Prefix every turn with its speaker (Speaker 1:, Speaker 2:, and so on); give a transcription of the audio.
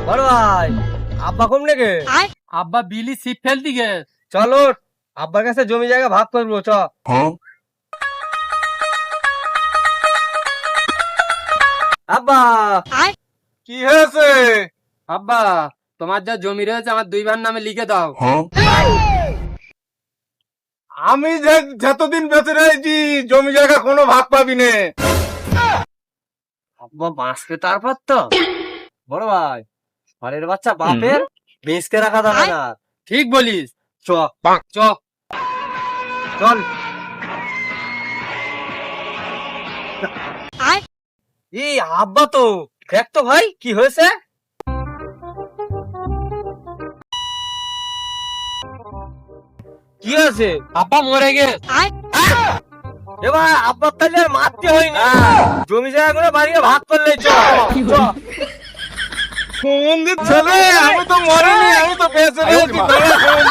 Speaker 1: বড় ভাই, আব্বা কম নাকি?
Speaker 2: আব্বা বিলি ছিপ ফেলতি গে।
Speaker 1: চলো আব্বার কাছে জমি জায়গা ভাগ করবো চ। আব্বা কি হয়েছে?
Speaker 2: আব্বা তোমার যা জমি রয়েছে আমার দুই ভাইয়ের নামে লিখে দাও।
Speaker 1: আমি যতদিন বেঁচে রয়েছি জমি জায়গা কোনো ভাগ পাবি নে। আব্বা বাঁচবে তারপর তো। বড় ভাই, ঘরের বাচ্চা বাপের বেঁচকে রাখা যাবে না।
Speaker 2: ঠিক বলিস,
Speaker 1: চ
Speaker 2: চ।
Speaker 1: চল। এই আব্বা তো দেখ তো ভাই কি হয়েছে। কি হয়েছে?
Speaker 2: আব্বা মরে গে।
Speaker 1: এবার আব্বার তাহলে আর মারতে হয়নি, জমি জায়গা করে বাড়িয়ে ভাগ করলে চ। সুমন্দির ছেলে, আমি তো মরিনি, আমি তো বেঁচে রয়েছি।